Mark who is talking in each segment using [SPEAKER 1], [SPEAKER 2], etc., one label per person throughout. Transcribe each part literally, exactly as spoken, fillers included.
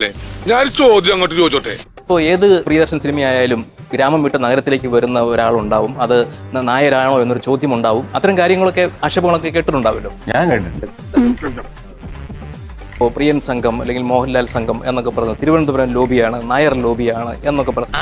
[SPEAKER 1] ഞാൻ ചോദ്യം അങ്ങോട്ട് ചോദിച്ചോട്ടെ.
[SPEAKER 2] ഇപ്പോൾ ഏത് പ്രിയദർശൻ സിനിമയായാലും ഗ്രാമം വിട്ട് നഗരത്തിലേക്ക് വരുന്ന ഒരാളുണ്ടാവും, അത് നായരാണോ എന്നൊരു ചോദ്യം ഉണ്ടാവും. അത്തരം കാര്യങ്ങളൊക്കെ ആക്ഷേപങ്ങളൊക്കെ കേട്ടിട്ടുണ്ടാവല്ലോ.
[SPEAKER 3] ഞാൻ കേട്ടിട്ടുണ്ട്.
[SPEAKER 2] ഇപ്പോൾ പ്രിയൻ സംഘം അല്ലെങ്കിൽ മോഹൻലാൽ സംഘം എന്നൊക്കെ പറഞ്ഞു, തിരുവനന്തപുരം ലോബിയാണ്, നായർ ലോബിയാണ് എന്നൊക്കെ പറഞ്ഞു.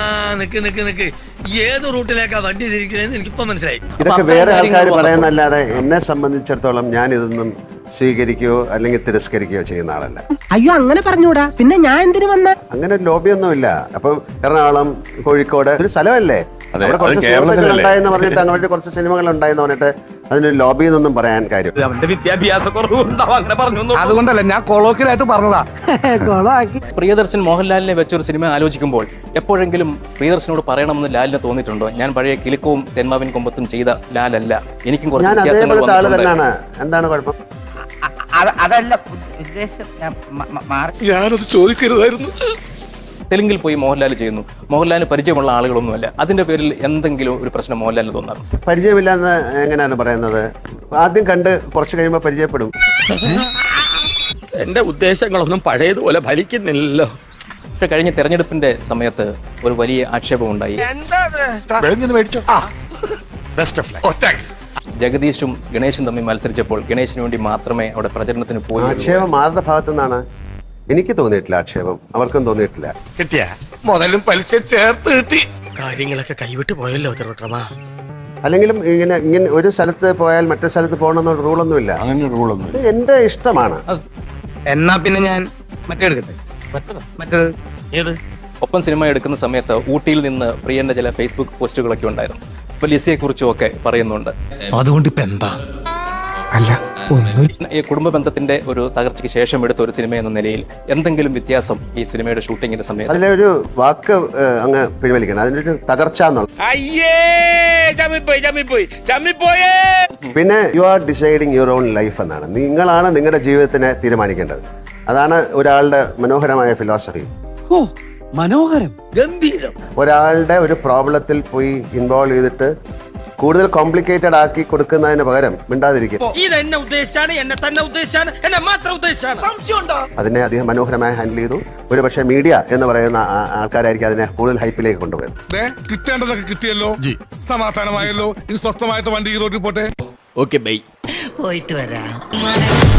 [SPEAKER 4] ഏത് റൂട്ടിലേക്കാ വണ്ടി തിരിക്കണേന്ന് എനിക്കിപ്പോ മനസ്സിലായി.
[SPEAKER 5] ഇതൊക്കെ വേറെ ആൾക്കാർ പറയുന്നല്ലാതെ എന്നെ സംബന്ധിച്ചിടത്തോളം ഞാൻ ഇതൊന്നും സ്വീകരിക്കുകയോ അല്ലെങ്കിൽ തിരസ്കരിക്കുകയോ ചെയ്യുന്ന ആളല്ല.
[SPEAKER 6] അയ്യോ അങ്ങനെ പറഞ്ഞൂടാ, പിന്നെ ഞാൻ എന്തിനു വന്ന അങ്ങനെ
[SPEAKER 5] ഒരു ലോബിയൊന്നുമില്ല. അപ്പം എറണാകുളം, കോഴിക്കോട് ഒരു സ്ഥലമല്ലേ, അവിടെ കുറച്ച് സുഹൃത്തുക്കൾ ഉണ്ടായെന്ന് പറഞ്ഞിട്ട് അങ്ങോട്ട് കുറച്ച് സിനിമകൾ ഉണ്ടായെന്ന് പറഞ്ഞിട്ട് അതിനൊരു ലോബി എന്നൊന്നും പറയാൻ കാര്യം.
[SPEAKER 3] അതുകൊണ്ടല്ല ഞാൻ കൊളോക്കിലായിട്ട് പറഞ്ഞതാ.
[SPEAKER 2] പ്രിയദർശൻ മോഹൻലാലിനെ വെച്ചൊരു സിനിമ ആലോചിക്കുമ്പോൾ എപ്പോഴെങ്കിലും പ്രിയദർശനോട് പറയണമെന്ന് ലാലിന് തോന്നിയിട്ടുണ്ടോ? ഞാൻ പഴയ കിലുക്കവും തെന്മാവിൻ കൊമ്പത്തും ചെയ്ത ലാലല്ല, എനിക്കും കുറച്ച് വ്യത്യാസങ്ങൾ
[SPEAKER 5] തന്നെയാണ്. എന്താണ് കുഴപ്പം?
[SPEAKER 6] അതല്ല ഉദ്ദേശം.
[SPEAKER 1] ഞാനത് ചോദിക്കരുതായിരുന്നു.
[SPEAKER 2] തെലുങ്കിൽ പോയി മോഹൻലാൽ ചെയ്യുന്നു, മോഹൻലാലിന് പരിചയമുള്ള ആളുകളൊന്നുമല്ല, അതിന്റെ പേരിൽ എന്തെങ്കിലും ഒരു പ്രശ്നം മോഹൻലാലിന് തോന്നാറുണ്ട്?
[SPEAKER 5] പരിചയമില്ലെന്ന് എങ്ങനെയാണ് പറയുന്നത്? ആദ്യം കണ്ട് കുറച്ച് കഴിയുമ്പോൾ പരിചയപ്പെടും.
[SPEAKER 4] എന്റെ ഉദ്ദേശങ്ങളൊന്നും പഴയതുപോലെ ഫലിക്കുന്നില്ലല്ലോ.
[SPEAKER 2] പക്ഷെ കഴിഞ്ഞ തെരഞ്ഞെടുപ്പിന്റെ സമയത്ത് ഒരു വലിയ ആക്ഷേപം ഉണ്ടായി. ജഗദീഷും ഗണേശും തമ്മിൽ മത്സരിച്ചപ്പോൾ ഗണേശിന് വേണ്ടി മാത്രമേ അവിടെ പ്രചരണത്തിന് പോയി.
[SPEAKER 5] ആക്ഷേപം ആരുടെ ഭാഗത്തു നിന്നാണ്? എനിക്ക് തോന്നിയിട്ടില്ല ആക്ഷേപം, അവർക്കും തോന്നിയിട്ടില്ല.
[SPEAKER 1] കിട്ടിയ മുതലും പലിശ ചേർത്ത് കിട്ടി.
[SPEAKER 4] കാര്യങ്ങളൊക്കെ കൈവിട്ട് പോയല്ലോ തിരുവട്ടമാ.
[SPEAKER 5] അല്ലെങ്കിലും ഇങ്ങനെ ഇങ്ങനെ ഒരു സ്ഥലത്ത് പോയാൽ മറ്റേ സ്ഥലത്ത് പോകണമെന്നുള്ള റൂളൊന്നുമില്ല.
[SPEAKER 3] അങ്ങനെ റൂളൊന്നും
[SPEAKER 5] ഇത് എന്റെ ഇഷ്ടമാണ്.
[SPEAKER 4] എന്നാ പിന്നെ ഞാൻ മറ്റേ എടുക്കട്ടെ. മറ്റേത് ഏത്?
[SPEAKER 2] ഒപ്പം സിനിമ എടുക്കുന്ന സമയത്ത് ഊട്ടിയിൽ നിന്ന് പ്രിയന്റെ ചില ഫേസ്ബുക്ക് പോസ്റ്റുകളൊക്കെ ഉണ്ടായിരുന്നു. ഇപ്പൊ ലിസിയെ കുറിച്ചും ഒക്കെ പറയുന്നുണ്ട്.
[SPEAKER 4] അതുകൊണ്ട് ഇപ്പൊ എന്താ?
[SPEAKER 2] അല്ല, ഈ കുടുംബ ബന്ധത്തിന്റെ ഒരു തകർച്ചയ്ക്ക് ശേഷം എടുത്ത ഒരു സിനിമ എന്ന നിലയിൽ എന്തെങ്കിലും വ്യത്യാസം ഈ സിനിമയുടെ ഷൂട്ടിങ്ങിന്റെ സമയത്ത്?
[SPEAKER 5] അതിലെ ഒരു വാക്ക് അങ്ങ് പിൻവലിക്കണം, അതിനൊരു തകർച്ച എന്നുള്ളത്. പിന്നെ you are deciding your own life എന്നാണ്. നിങ്ങളാണ് നിങ്ങളുടെ ജീവിതത്തിനെ തീരുമാനിക്കേണ്ടത്. അതാണ് ഒരാളുടെ മനോഹരമായ ഫിലോസഫി.
[SPEAKER 4] മനോഹരം, ഗംഭീരം.
[SPEAKER 5] ഒരാളുടെ ഒരു പ്രോബ്ലത്തിൽ പോയി ഇൻവോൾവ് ചെയ്തിട്ട് കൂടുതൽ കോംപ്ലിക്കേറ്റഡ് ആക്കി കൊടുക്കുന്നതിന് പകരം മിണ്ടാതിരിക്കും. അതിനെ അധികം മനോഹരമായി ഹാൻഡിൽ ചെയ്തു. ഒരു പക്ഷേ മീഡിയ എന്ന് പറയുന്ന ആൾക്കാരായിരിക്കും അതിനെ കൂടുതൽ ഹൈപ്പിലേക്ക് കൊണ്ടുപോയത്.
[SPEAKER 1] കിട്ടേണ്ടതൊക്കെ കിട്ടിയല്ലോ, സമാധാനമായല്ലോ. ഇനി സ്വസ്ഥമായിട്ട് വണ്ടി റോഡിൽ പോട്ടെ.
[SPEAKER 4] Okay bye.
[SPEAKER 6] പോയിട്ട് വരാം.